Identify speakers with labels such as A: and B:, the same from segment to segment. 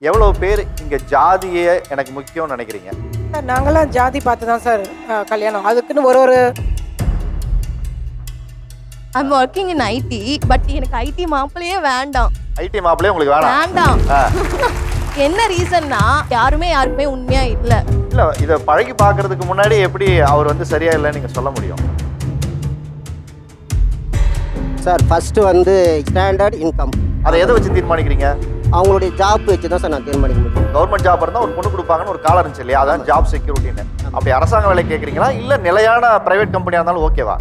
A: எவ்வளவு பேர் இங்க ஜாதியே எனக்கு முக்கியம்னு நினைக்கிறீங்க?
B: சார் நாங்களாம் ஜாதி பார்த்து தான் சார் கல்யாணம். அதுக்குன்னு ஒரு
C: I'm working in IT. But எனக்கு ஐடி மாப்பிளையே வேண்டாம்.
A: ஐடி மாப்பிள்ளையே உங்களுக்கு வேணாம்?
C: வேண்டாம்.
A: ஆ.
C: என்ன ரீசன்னா யாருக்குமே உண்மையா இல்ல.
A: இல்ல இத பழகி பார்க்கிறதுக்கு முன்னாடி எப்படி அவர் வந்து சரியா இல்லைன்னு நீங்க சொல்ல முடியும்?
D: சார் ஃபஸ்ட்டு வந்து ஸ்டாண்டர்ட் இன்கம்
A: அதை எதை வச்சு தீர்மானிக்கிறீங்க?
D: அவங்களுடைய ஜாப் வச்சு தான் சார் நான் தீர்மானிக்க முடியும்.
A: கவர்மெண்ட் ஜாப் இருந்தால் ஒரு பொண்ணு கொடுப்பாங்கன்னு ஒரு காலம் இருந்துச்சு இல்லையா? அதான் ஜாப் செக்யூரிட்டின்னு. அப்படி அரசாங்க வேலை கேட்குறீங்களா இல்லை நிலையான பிரைவேட் கம்பெனியாக இருந்தாலும் ஓகேவா?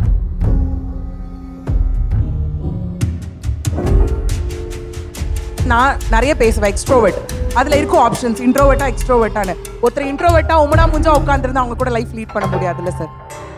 E: நான் நிறைய பேசுவேன் எக்ஸ்ட்ரோவர்ட். அதில் இருக்கும் ஆப்ஷன்ஸ் இன்ட்ரோவர்ட்டா எக்ஸ்ட்ரோவர்ட்டானு. ஒருத்தர் இன்ட்ரோவர்ட்டா உமனா முஞ்சா உட்காந்துருந்தா அவங்க கூட லைஃப் லீட் பண்ண முடியாதுல்ல சார்.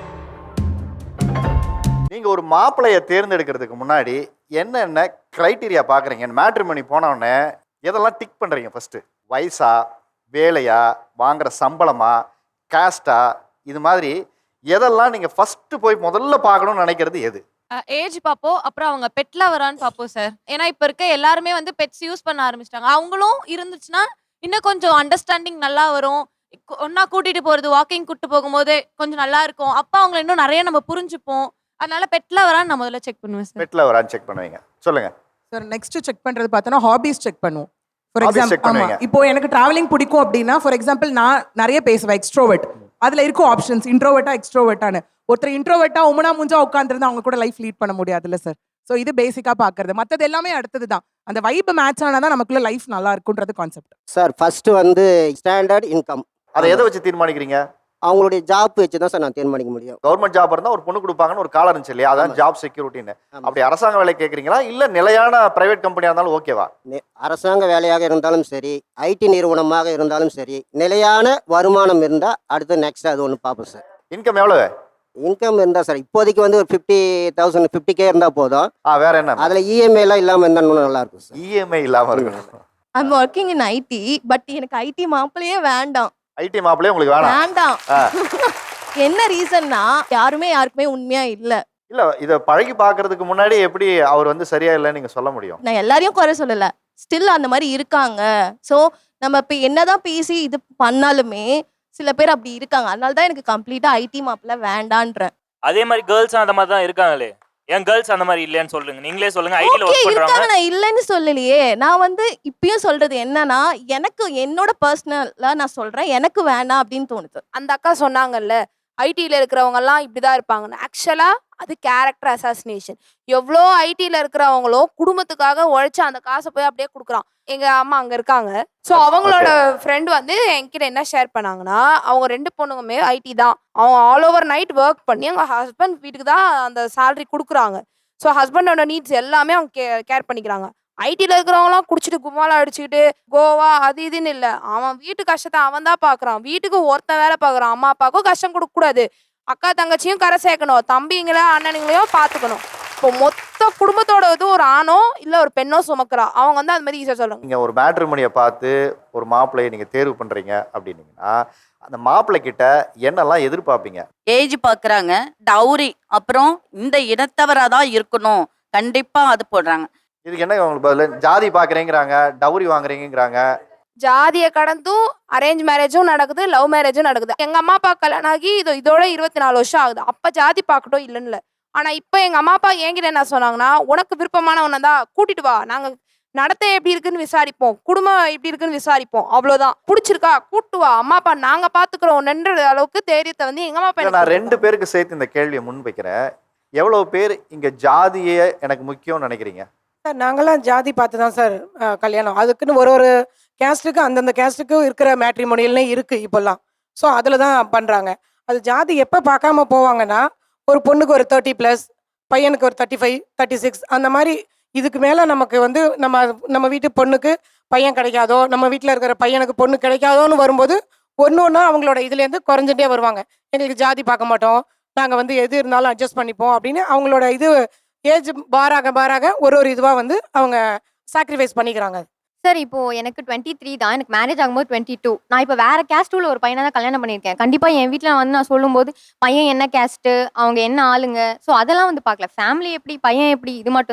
A: நீங்க ஒரு மாப்பிள்ளையை தேர்ந்தெடுக்கிறதுக்கு முன்னாடி என்னென்ன கிரைட்டீரியா பார்க்குறீங்க? மேட்ரிமோனி போனோடனே எதெல்லாம் டிக் பண்ணுறீங்க? ஃபர்ஸ்ட் வயசா, வேலையா, வாங்குற சம்பளமா, காஸ்டா, இது மாதிரி எதெல்லாம் நீங்கள் ஃபர்ஸ்ட் போய் முதல்ல பார்க்கணும்னு நினைக்கிறது எது?
F: ஏஜ் பார்ப்போம். அப்புறம் அவங்க பெட்ல வரான்னு பார்ப்போம் சார். ஏன்னா இப்போ இருக்க எல்லாருமே வந்து பெட்ஸ் யூஸ் பண்ண ஆரம்பிச்சிட்டாங்க. அவங்களும் இருந்துச்சுன்னா இன்னும் கொஞ்சம் அண்டர்ஸ்டாண்டிங் நல்லா வரும். ஒன்னா கூட்டிட்டு போறது, வாக்கிங் கூட்டு போகும்போது கொஞ்சம் நல்லா இருக்கும். அப்போ அவங்களை இன்னும் நிறைய நம்ம புரிஞ்சுப்போம். அதனால பெட்ல வரான்னு நான் முதல்ல செக் பண்ணுவேன் சார்.
A: பெட்ல வரான்னு செக் பண்ணுவீங்க, சொல்லுங்க.
E: சார் நெக்ஸ்ட் செக் பண்றது பார்த்தோன்னா ஹாபிஸ் செக் பண்ணுவோம். ஃபார்
A: Hobbies check
E: எக்ஸாம்பிள்
A: பண்ணுவீங்க.
E: இப்போ எனக்கு டிராவலிங் பிடிக்கும் அப்படின்னா ஃபார் எக்ஸாம்பிள் நான் நிறைய பேசுவேன் எக்ஸ்ட்ரோவர்ட். அதில் இருக்கும் ஆப்ஷன்ஸ் இன்ட்ரோவர்ட்டா எக்ஸ்ட்ரோவர்ட்டானு. ஒருத்தர் இன்ட்ரோவர்ட்டா உமனா முஞ்சா உட்காந்துருந்தா அவங்க கூட லைஃப் லீட் பண்ண முடியாதுல்ல சார். ஸோ இது பேசிக்காக பார்க்கறது. மற்றது எல்லாமே அடுத்தது தான். அந்த வைப் மேட்ச் ஆனால் தான் நமக்குள்ள லைஃப் நல்லா இருக்குன்றது கான்செப்ட்.
D: சார் ஃபஸ்ட்டு வந்து ஸ்டாண்டர்ட் இன்கம்
A: அதை எதை வச்சு தீர்மானிக்கிறீங்க?
D: அவங்களுடைய ஜாப் வச்சு தான் சார் நான் தீர்மானிக்க முடியும்.
A: கவர்மெண்ட் ஜாப் இருந்தால் ஒரு பொண்ணு கொடுப்பாங்கன்னு ஒரு காலம் இருந்துச்சு இல்லையா? அதான் ஜாப் செக்யூரிட்டின்னு. அப்படி அரசாங்க வேலை கேட்குறீங்களா இல்லை நிலையான பிரைவேட் கம்பெனியாக இருந்தாலும் ஓகேவா?
D: அரசாங்க வேலையாக இருந்தாலும் சரி, ஐடி நிறுவனமாக இருந்தாலும் சரி, நிலையான வருமானம் இருந்தால் அடுத்து நெக்ஸ்ட் அது ஒன்று பார்ப்போம் சார்.
A: இன்கம் எவ்வளவு?
D: இன்கம் இருந்தால் சார் இப்போதைக்கு வந்து ஒரு 50,000 50K இருந்தால் போதும்.
A: வேற என்ன?
D: அதில் இஎம்ஐலாம் இல்லாமல் இருந்தால் இன்னும் நல்லா இருக்கும் சார்.
A: இஎம்ஐ இல்லாமல் இருக்கணும்.
C: I'm working in IT. But எனக்கு ஐடி மாப்பிளையே வேண்டாம்.
A: ஐடி மாப்பிள்ளையே உங்களுக்கு வேணாம்?
C: வேண்டாம். என்ன ரீசன்னா யாருக்குமே உண்மையா இல்ல.
A: இல்ல இத பழகி பார்க்கிறதுக்கு முன்னாடி எப்படி அவர் வந்து சரியா இல்லைன்னு நீங்க சொல்ல முடியும்?
C: நான் எல்லாரையும் குறை சொல்லல. ஸ்டில் அந்த மாதிரி இருக்காங்க. ஸோ நம்ம இப்போ என்னதான் பேசி இது பண்ணாலுமே சில பேர் அப்படி இருக்காங்க. அதனால தான் எனக்கு கம்ப்ளீட்டா ஐடி மாப்பிள்ள வேண்டான்றேன்.
G: அதே மாதிரி கேர்ள்ஸும் அந்த மாதிரி தான் இருக்காங்களே. ஏன் கேர்ள்ஸ் அந்த மாதிரி இல்லைன்னு சொல்லுங்க. நீங்களே சொல்லுங்க. ஐடில
C: ஓகே
G: ஒர்க்
C: இருக்காங்க,
G: பண்றாங்க.
C: நான் இல்லைன்னு சொல்லலையே. நான் வந்து இப்பயும் சொல்றது என்னன்னா எனக்கு என்னோட பர்சனலா நான் சொல்றேன், எனக்கு வேணாம் அப்படின்னு தோணுது.
F: அந்த அக்கா சொன்னாங்கல்ல ஐடியில் இருக்கிறவங்கலாம் இப்படிதான் இருப்பாங்கன்னு. ஆக்சுவலா அது கேரக்டர் அசாசினேஷன். எவ்வளோ ஐடியில் இருக்கிறவங்களும் குடும்பத்துக்காக உழைச்சு அந்த காசை போய் அப்படியே கொடுக்குறான். எங்க அம்மா அங்க இருக்காங்க. ஸோ அவங்களோட ஃப்ரெண்ட் வந்து என்கிட்ட என்ன ஷேர் பண்ணாங்கன்னா, அவங்க 2 பொண்ணுங்குமே ஐடி தான். அவங்க ஆல் ஓவர் நைட் ஒர்க் பண்ணி அவங்க ஹஸ்பண்ட் வீட்டுக்கு தான் அந்த சேலரி கொடுக்குறாங்க. ஸோ ஹஸ்பண்டோட நீட்ஸ் எல்லாமே அவங்க கேர் பண்ணிக்கிறாங்க. ஐடியில் இருக்கிறவங்களாம் குடிச்சிட்டு கும்மாலாம் அடிச்சுக்கிட்டு கோவா அது இதுன்னு இல்லை. அவன் வீட்டு கஷ்டத்தை அவன் தான் பார்க்குறான். வீட்டுக்கு ஒருத்தன் வேலை பார்க்குறான். அம்மா அப்பாவுக்கும் கஷ்டம் கொடுக்கக்கூடாது, அக்கா தங்கச்சியும் கரை சேர்க்கணும், தம்பிங்களோ அண்ணனுங்களையும் பார்த்துக்கணும். இப்போ மொத்த குடும்பத்தோட இது ஒரு ஆணோ இல்லை ஒரு பெண்ணோ சுமக்கிறா. அவங்க வந்து அது மாதிரி ஈஸியாக சொல்கிறாங்க.
A: நீங்க ஒரு மேட்ரிமோனியை பார்த்து ஒரு மாப்பிள்ளையை நீங்க தேர்வு பண்றீங்க அப்படின்னீங்கன்னா அந்த மாப்பிள்ளை கிட்ட என்னெல்லாம் எதிர்பார்ப்பீங்க?
H: ஏஜ் பார்க்குறாங்க, டவுரி, அப்புறம் இந்த இனத்தவராக தான் இருக்கணும், கண்டிப்பாக அது போடுறாங்க.
A: இதுக்கு என்ன உங்களுக்கு பதில்? ஜாதி பார்க்குறேங்கிறாங்க, டவுரி வாங்குறீங்கிறாங்க.
F: ஜாதியை கடந்தும் அரேஞ்ச் மேரேஜும் நடக்குது, லவ் மேரேஜும் நடக்குது. எங்க அம்மா அப்பா கல்யாணம் ஆகி இதோட 24 வருஷம் ஆகுது. அப்ப ஜாதி பார்க்கட்டும் இல்லைன்னு இல்லை. ஆனா இப்ப எங்க அம்மா அப்பா என்கிட்ட என்ன சொன்னாங்கன்னா, உனக்கு விருப்பமானவனை தான் கூட்டிட்டு வா, நாங்க நடத்தை எப்படி இருக்குன்னு விசாரிப்போம், குடும்பம் எப்படி இருக்குன்னு விசாரிப்போம், அவ்வளவுதான். பிடிச்சிருக்கா கூட்டு வா, அம்மா அப்பா நாங்க பாத்துக்கிறோம்ன்ற அளவுக்கு தைரியத்தை வந்து எங்க அம்மா அப்பா
A: நான் 2 பேருக்கு சேர்த்து இந்த கேள்வியை முன்வைக்கிறேன். எவ்வளவு பேர் இங்க ஜாதியே எனக்கு முக்கியம்னு நினைக்கிறீங்க?
B: சார் நாங்களாம் ஜாதி பார்த்து தான் சார் கல்யாணம். அதுக்குன்னு ஒரு கேஸ்ட்டுக்கு அந்தந்த கேஸ்ட்டுக்கு இருக்கிற மேட்ரிமோனியல்னே இருக்கு இப்போல்லாம். ஸோ அதில் தான் பண்ணுறாங்க. அது ஜாதி எப்போ பார்க்காம போவாங்கன்னா, ஒரு பொண்ணுக்கு ஒரு 30+, பையனுக்கு ஒரு 35, 36 அந்த மாதிரி. இதுக்கு மேலே நமக்கு வந்து நம்ம வீட்டு பொண்ணுக்கு பையன் கிடைக்காதோ, நம்ம வீட்டில் இருக்கிற பையனுக்கு பொண்ணு கிடைக்காதோன்னு வரும்போது ஒன்று ஒன்றா அவங்களோட இதுலேருந்து குறைஞ்சிட்டே வருவாங்க. எங்களுக்கு ஜாதி பார்க்க மாட்டோம், நாங்கள் வந்து எது இருந்தாலும் அட்ஜஸ்ட் பண்ணிப்போம் அப்படின்னு அவங்களோட இது ஏஜ் பாராக ஒரு இதுவாக வந்து அவங்க சாக்ரிஃபைஸ் பண்ணிக்கிறாங்க.
I: சார் இப்போ எனக்கு 23 தான். எனக்கு மேரேஜ் ஆகும்போது 22. நான் இப்போ வேற கேஸ்ட்ல ஒரு பையனை தான் கல்யாணம் பண்ணியிருக்கேன். கண்டிப்பா என் வீட்டில் வந்து நான் சொல்லும்போது பையன் என்ன கேஸ்ட்டு, அவங்க என்ன ஆளுங்க, ஸோ அதெல்லாம் வந்து பார்க்கல. ஃபேமிலி எப்படி, பையன் எப்படி, இது மட்டும்தான்.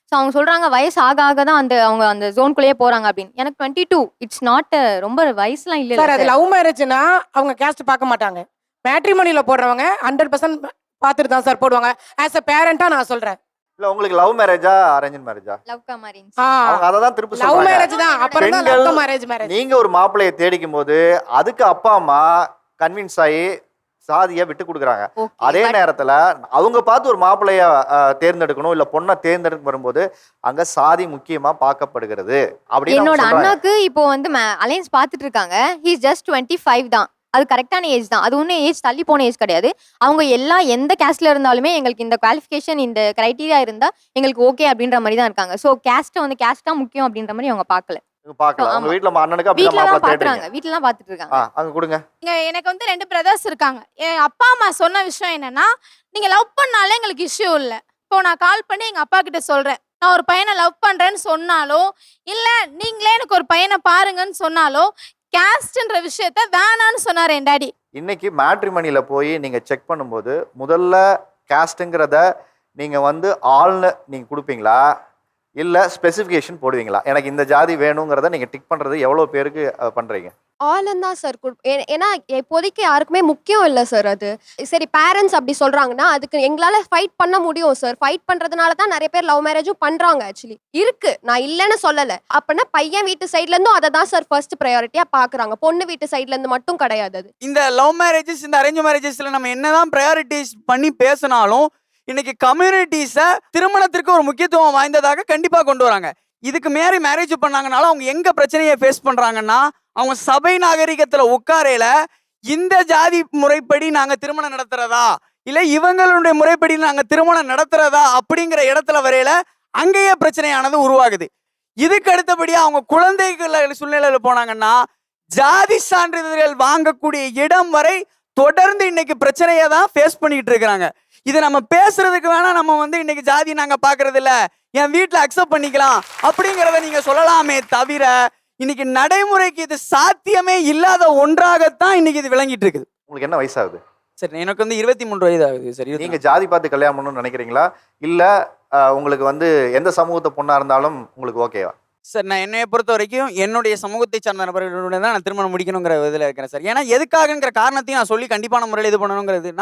I: ஸோ அவங்க சொல்றாங்க வயசு ஆக ஆக தான் அவங்க அந்த ஜோன்குள்ளேயே போறாங்க அப்படின்னு. எனக்கு 22 இட்ஸ் நாட் ரொம்ப வயசுலாம் இல்ல
B: சார். அது லவ் மேரேஜ்னா அவங்க கேஸ்ட் பார்க்க மாட்டாங்க. மேட்ரிமோனியில் போடுறவங்க 100% பார்த்துட்டு தான் சார் போடுவாங்க. ஆஸ் அ பேரண்டா நான் சொல்றேன்.
A: இல்ல உங்களுக்கு லவ் மேரேஜா அரேஞ்ச் மேரேஜா?
I: Love cum arrange.
A: அவங்க அதை தான் திருப்பி
B: லவ்
A: சொல்றாங்க.
B: மேரேஜ் தான். அப்புறம் தான்
A: பெண்கள்,
B: லவ் மேரேஜ்.
A: நீங்க ஒரு மாப்பிள்ளையை தேடிக்கும் போது அதுக்கு அப்பா அம்மா கன்வின்ஸ் ஆகி சாதியை விட்டு கொடுக்குறாங்க. அதே நேரத்துல அவங்க பார்த்து ஒரு மாப்பிள்ளைய தேர்ந்தெடுக்கணும் இல்ல பொண்ணை தேர்ந்தெடுக்க வரும்போது அங்க சாதி முக்கியமா பார்க்கப்படுகிறது அப்படின்னு
I: என்னோட
A: அவங்க சொல்றாங்க.
I: அண்ணாக்கு இப்போ வந்து அலைன்ஸ் பார்த்துட்டு இருக்காங்க. ஹி இஸ் ஜஸ்ட் 25 தான். அது கரெக்டான ஏஜ் தான். அது ஒன்றும் ஏஜ் தள்ளி போன ஏஜ் கிடையாது. அவங்க எந்த கேஸ்ட்ல இருந்தாலுமே எங்களுக்கு இந்த குவாலிஃபிகேஷன் இந்த கிரைட்டீரியா இருந்தா எங்களுக்கு ஓகே அப்படின்ற மாதிரி தான் இருக்காங்க. ஸோ கேஸ்ட்டை வந்து கேஸ்ட் தான் முக்கியம் அப்படின்ற மாதிரி அவங்க பார்க்கல.
A: பார்க்கலாம் உங்க
I: ஆமா.
A: வீட்டுல அண்ணனுக்கு அப்படி
I: வீட்டில
A: மாப்பிள்ளை
I: தான்
A: தேடுறீங்க.
I: பாக்குறாங்க. வீட்டில தான் பார்த்துட்டு இருக்காங்க.
A: அங்க கொடுங்க.
F: எனக்கு வந்து 2 பிரதர்ஸ் இருக்காங்க. என் அப்பா அம்மா சொன்ன விஷயம் என்னன்னா, நீங்க லவ் பண்ணாலே எங்களுக்கு இஷ்யூ இல்லை. இப்போ நான் கால் பண்ணி எங்க அப்பா கிட்ட சொல்றேன், நான் ஒரு பையனை லவ் பண்றேன்னு சொன்னாலோ இல்ல நீங்களே எனக்கு ஒரு பையனை பாருங்கன்னு சொன்னாலோ கேஸ்ட்ன்ற விஷயத்த வேணான்னு சொன்னார் என் டாடி.
A: இன்னைக்கு மேட்ரிமனியில் போய் நீங்கள் செக் பண்ணும்போது முதல்ல கேஸ்ட்டுங்கிறத நீங்கள் வந்து ஆள்னு நீங்கள் கொடுப்பீங்களா இல்லை ஸ்பெசிஃபிகேஷன் போடுவீங்களா? எனக்கு இந்த ஜாதி வேணுங்கிறத நீங்கள் டிக் பண்ணுறது எவ்வளோ பேருக்கு பண்ணுறீங்க?
C: ஆளும் தான் சார். ஏன்னா இப்போதைக்கு யாருக்குமே முக்கியம் இல்லை சார். அது சரி பேரண்ட்ஸ் அப்படி சொல்றாங்கன்னா அதுக்கு எங்களால் ஃபைட் பண்ண முடியும் சார். ஃபைட் பண்றதுனால தான் நிறைய பேர் லவ் மேரேஜும் பண்றாங்க. ஆக்சுவலி இருக்கு, நான் இல்லைன்னு சொல்லலை. அப்படின்னா பையன் வீட்டு சைட்ல இருந்தும் அதை தான் சார் ஃபர்ஸ்ட் ப்ரையாரிட்டியா பாக்குறாங்க. பொண்ணு வீட்டு சைட்ல இருந்து மட்டும் கிடையாது. அது
J: இந்த லவ் மேரேஜஸ் இந்த அரேஞ்ச் மேரேஜஸ்ல நம்ம என்னதான் ப்ரையாரிட்டிஸ் பண்ணி பேசினாலும் இன்னைக்கு கம்யூனிட்டிஸை திருமணத்திற்கு ஒரு முக்கியத்துவம் வாய்ந்ததாக கண்டிப்பாக கொண்டு வராங்க. இதுக்கு மேலே மேரேஜ் பண்ணாங்கனாலும் அவங்க எங்க பிரச்சனையை ஃபேஸ் பண்றாங்கன்னா, அவங்க சபை நாகரிகத்துல உட்காரையில இந்த ஜாதி முறைப்படி நாங்க திருமணம் நடத்துறதா இல்ல இவங்களுடைய முறைப்படி நாங்க திருமணம் நடத்துறதா அப்படிங்கிற இடத்துல வரையில அங்கேயே பிரச்சனையானது உருவாகுது. இதுக்கு அடுத்தபடியா அவங்க குழந்தைகள் சூழ்நிலையில போனாங்கன்னா ஜாதி சான்றிதழ்கள் வாங்கக்கூடிய இடம் வரை தொடர்ந்து இன்னைக்கு பிரச்சனையை தான் ஃபேஸ் பண்ணிட்டு இருக்கிறாங்க. இது நம்ம பேசுறதுக்கு வேணா நம்ம வந்து இன்னைக்கு ஜாதி நாங்க பாக்குறது இல்ல, என் வீட்டுல அக்செப்ட் பண்ணிக்கலாம் அப்படிங்கிறத நீங்க சொல்லலாமே தவிர இன்னைக்கு நடைமுறைக்கு இது சாத்தியமே இல்லாத ஒன்றாகத்தான் இன்னைக்கு இது விளங்கிட்டு இருக்குது.
A: உங்களுக்கு என்ன வயசாகுது?
J: சரி, எனக்கு வந்து 23 வயது ஆகுது சார்.
A: நீங்க ஜாதி பார்த்து கல்யாணம் பண்ணணும்னு நினைக்கிறீங்களா இல்ல உங்களுக்கு வந்து எந்த சமூகத்தை பொண்ணா இருந்தாலும் உங்களுக்கு ஓகேவா?
J: சார், நான் என்னைய பொறுத்த வரைக்கும் என்னுடைய சமூகத்தை சார்ந்த நபர்களுடன் தான் நான் திருமணம் முடிக்கணுங்கிற இதில் இருக்கிறேன் சார். ஏன்னா எதுக்காகங்கிற காரணத்தையும் நான் சொல்லி கண்டிப்பான முறையில் இது பண்ணணுங்கிறதுனா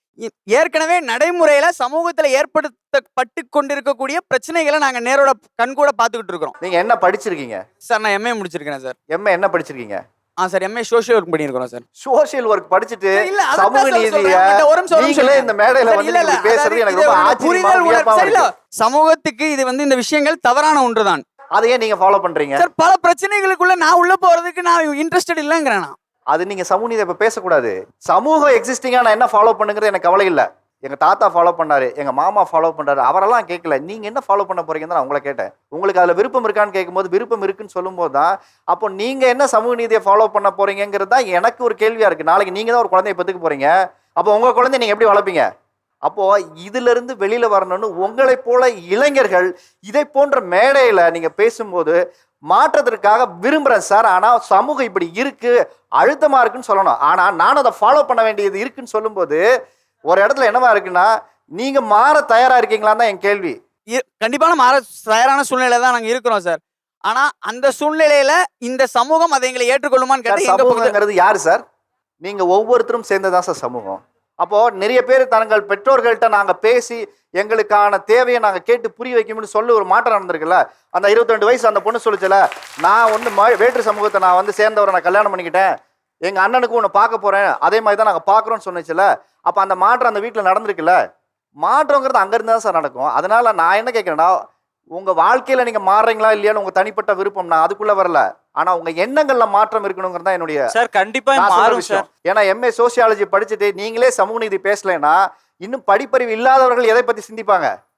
J: ஏற்கனவே நடைமுறையில சமூகத்துல ஏற்படுத்தப்பட்டு கொண்டிருக்கக்கூடிய பிரச்சனைகளை நாங்க நேரோட கண்கூட பாத்துக்கிட்டு இருக்கிறோம்.
A: நீங்க என்ன படிச்சிருக்கீங்க?
J: சார், நான் எம்ஏ முடிச்சிருக்கேன் சார்.
A: எம்ஏ என்ன படிச்சிருக்கீங்க?
J: சார், எம்ஏ சோஷியல் ஒர்க் பண்ணியிருக்கிறோம் சார்.
A: சோஷியல் ஒர்க் படிச்சுட்டு
J: இல்ல
A: சமூக நீதியை நீங்களே இந்த மேடையில வந்து நீங்க பேசுறது எனக்கு ரொம்ப ஆச்சரியமா இருக்கு.
J: சமூகத்துக்கு இது வந்து இந்த விஷயங்கள் தவறான ஒன்றுதான்.
A: அதையே நீங்க ஃபாலோ பண்றீங்க
J: சார். பல பிரச்சனைகளுக்குள்ள நான் உள்ள போறதுக்கு நான் இன்ட்ரெஸ்டட் இல்லைங்கிறேன்.
A: அது நீங்க சமூக நீதி இப்ப பேசக்கூடாது. சமூகம் எக்ஸிஸ்டிங்கா நான் என்ன ஃபாலோ பண்ணுங்கிறது எனக்கு கவலை இல்லை. எங்க தாத்தா ஃபாலோ பண்ணாரு, எங்க மாமா ஃபாலோ பண்றாரு, அவரெல்லாம் கேட்கல. நீங்க என்ன ஃபாலோ பண்ண போறீங்கன்னு நான் உங்களை கேட்டேன். உங்களுக்கு அதுல விருப்பம் இருக்கான்னு கேட்கும்போது விருப்பம் இருக்குன்னு சொல்லும்போது தான் அப்போ நீங்க என்ன சமூக நீதியை ஃபாலோ பண்ண போறீங்கிறது தான் எனக்கு ஒரு கேள்வியா இருக்கு. நாளைக்கு நீங்க தான் ஒரு குழந்தைய பெற்றுக்க போறீங்க. அப்போ உங்க குழந்தைய நீங்க எப்படி வளர்ப்பீங்க? அப்போ இதுல இருந்து வெளியில வரணும்னு உங்களை போல இளைஞர்கள் இதை போன்ற மேடையில நீங்க பேசும்போது மாற்றத்திற்காக விரும்புறேன் சார். ஆனா சமூகம் இப்படி இருக்கு, அழுத்தமா இருக்குன்னு சொல்லணும். ஆனா நானும் அதை ஃபாலோ பண்ண வேண்டியது இருக்குன்னு சொல்லும்போது ஒரு இடத்துல என்னவா இருக்குன்னா நீங்க மாற தயாரா இருக்கீங்களான்னு தான் என் கேள்வி.
J: கண்டிப்பான மாற தயாரான சூழ்நிலை தான் நாங்க இருக்கிறோம் சார். ஆனா அந்த சூழ்நிலையில இந்த சமூகம் அதை எங்களை ஏற்றுக்கொள்ளுமான்னு கேட்டா
A: சமூகங்கிறது யாரு சார்? நீங்க ஒவ்வொருத்தரும் சேர்ந்ததான் சார் சமூகம். அப்போ நிறைய பேர் தங்கள் பெற்றோர்கள்ட்ட நாங்க பேசி எங்களுக்கான தேவையை நாங்க கேட்டு புரிய வைக்கணும்னு சொல்லி ஒரு மாற்றம் நடந்திருக்குல்ல. அந்த 22 வயசு அந்த பொண்ணு சொல்லிச்சுல, நான் வந்து வேற்று சமூகத்தை நான் வந்து சேர்ந்தவரை நான் கல்யாணம் பண்ணிக்கிட்டேன், எங்க அண்ணனுக்கு உன்னை பார்க்க போறேன், அதே மாதிரி தான் நாங்க பாக்குறோம்னு சொன்னிச்சுல. அப்ப அந்த மாற்றம் அந்த வீட்டுல நடந்திருக்குல்ல. மாற்றங்கிறது அங்கிருந்து தான் சார் நடக்கும். அதனால நான் என்ன கேட்கிறேன்னா, உங்க வாழ்க்கையில நீங்க மாறுறீங்களா இல்லையான்னு உங்க தனிப்பட்ட விருப்பம், நான் அதுக்குள்ள வரல. ஆனா உங்க எண்ணங்கள்ல மாற்றம் இருக்கணுங்கிறது தான் என்னுடைய
G: சார். கண்டிப்பா மாறும் சார்.
A: ஏன்னா எம்ஏ சோசியாலஜி படிச்சுட்டு நீங்களே சமூக நீதி பேசலைன்னா இன்னும் படிப்பறிவு இல்லாதவர்கள் எதை பத்தி சிந்திப்பாங்க?